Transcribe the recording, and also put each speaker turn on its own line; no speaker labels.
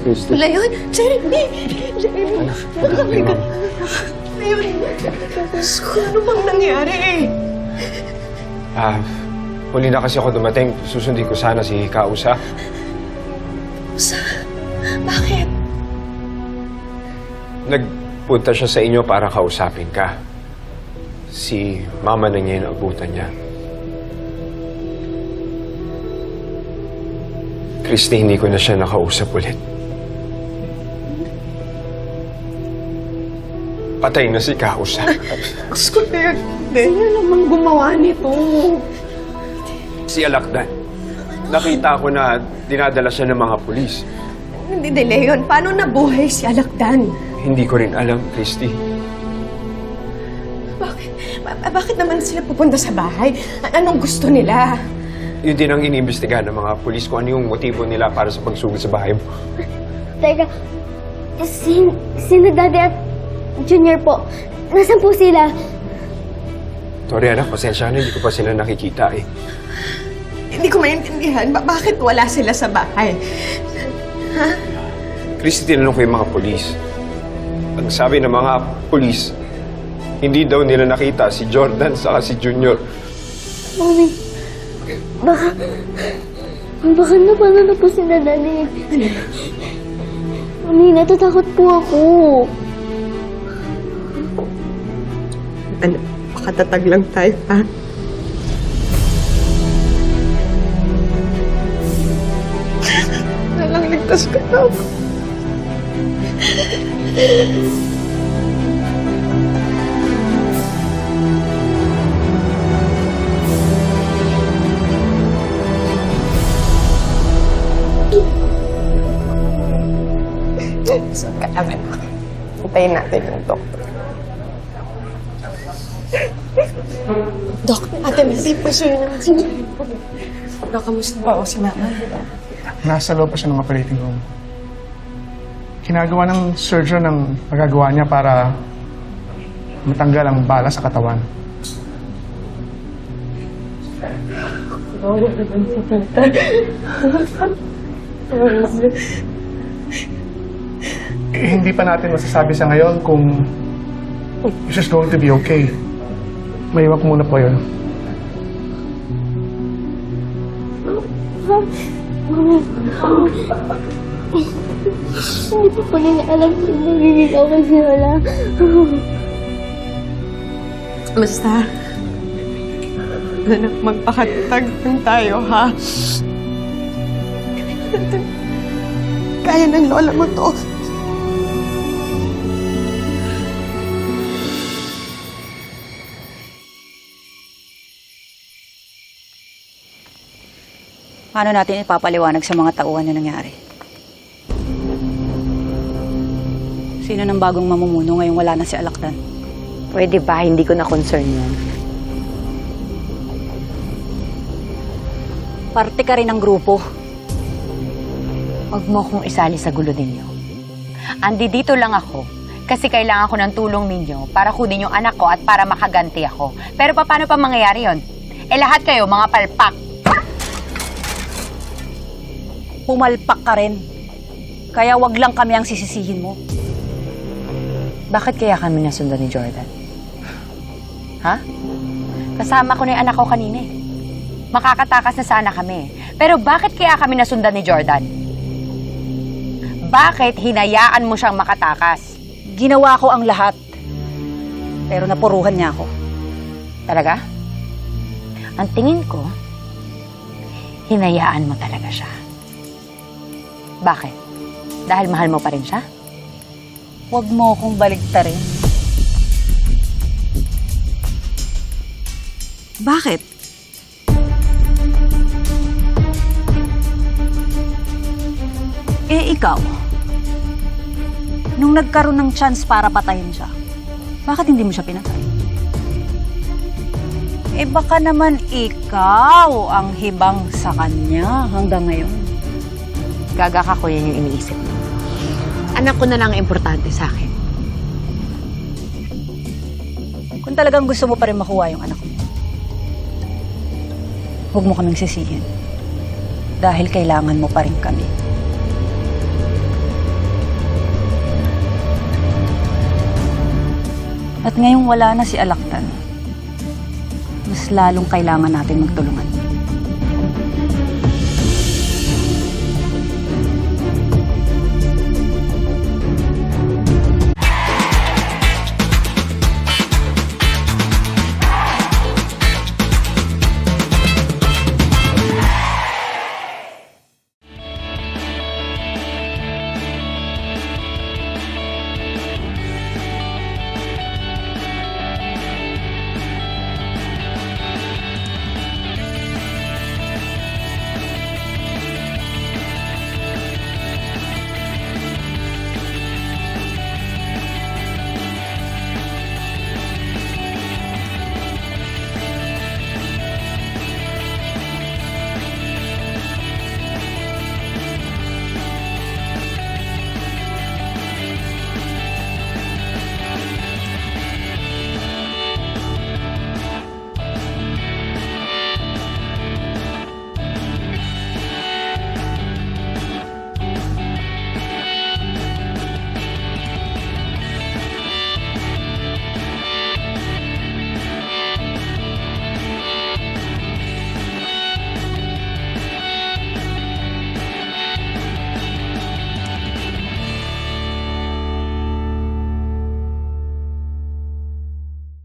Christy.
Leon! Jeremy! Jeremy! Magkakay ka. Leon! Diyos ko, ano bang nangyari?
Huli na kasi ako dumating. Susundin ko sana si Kausa.
Bakit?
Nagpunta siya sa inyo para kausapin ka. Si mama na niya yung abutan niya. Christy, hindi ko na siya nakausap ulit. Patay na si Kausa.
Diyos ko, Leon. Sino naman gumawa nito?
Si Alakdan. Nakita ko na dinadala siya ng mga pulis.
Hindi, Leon. Paano nabuhay si Alakdan?
Hindi ko rin alam, Christy.
Bakit? Bakit naman sila pupunta sa bahay? Anong gusto nila?
Yun din ang iniimbestigahan ng mga pulis kung ano yung motibo nila para sa pagsugod sa bahay mo.
Teka, sino Daddy at Junior po? Nasaan po sila?
Sorry anak, pasensya na, hindi ko pa sila nakikita eh.
Hindi ko maintindihan. Bakit wala sila sa bahay?
Christy, tinanong ko yung mga pulis. Ang sabi ng mga pulis, hindi daw nila nakita si Jordan saka si Junior.
Mami, baka napano na po sila, Daddy. Mami, natatakot po ako.
Ano, makatatag lang tayo, ha? Nalang ligtas ka na ako. Saan ka naman? Hintayin natin yung doktor. Dok, Ate Missy, pa-share naman si Dok, kamusta ba ako si Mama?
Nasa loob pa siya ng operating room. Ginagawa ng surgeon ang magagawa niya para matanggal ang bala sa katawan. Hindi pa natin masasabi sa ngayon kung she's going to be okay. Maiwan ko muna po yun.
Hindi po po nila alam kung nagiging okay si Lola.
Basta, anak, magpakatag lang tayo, ha? Kaya ng lola mo to.
Paano natin ipapaliwanag sa mga tauhan na nangyari? Sino ng bagong mamumuno ngayong wala na si Alakdan?
Pwede ba? Hindi ko na concern yan.
Parte ka rin ng grupo.
Huwag mo akong isali sa gulo ninyo. Dito lang ako kasi kailangan ko ng tulong ninyo para kunin yung anak ko at para makaganti ako. Pero paano pa mangyayari yon? Lahat kayo, mga palpak.
Pumalpak ka rin. Kaya wag lang kami ang sisisihin mo.
Bakit kaya kami nasundan ni Jordan? Ha? Kasama ko na yung anak ko kanina eh. Makakatakas na sana kami. Pero bakit kaya kami nasundan ni Jordan? Bakit hinayaan mo siyang makatakas?
Ginawa ko ang lahat. Pero napuruhan niya ako.
Talaga? Ang tingin ko, hinayaan mo talaga siya. Bakit? Dahil mahal mo pa rin siya?
Huwag mo akong baligtarin. Bakit? Ikaw, nung nagkaroon ng chance para patayin siya, bakit hindi mo siya pinatay? Baka naman ikaw ang hibang sa kanya hanggang ngayon.
Gaga ka, kuya, yung iniisip mo. Anak ko na lang ang importante sa akin.
Kung talagang gusto mo pa rin makuha yung anak mo, huwag mo kaming sisihin. Dahil kailangan mo pa rin kami. At ngayong wala na si Alaktan, mas lalong kailangan natin magtulungan.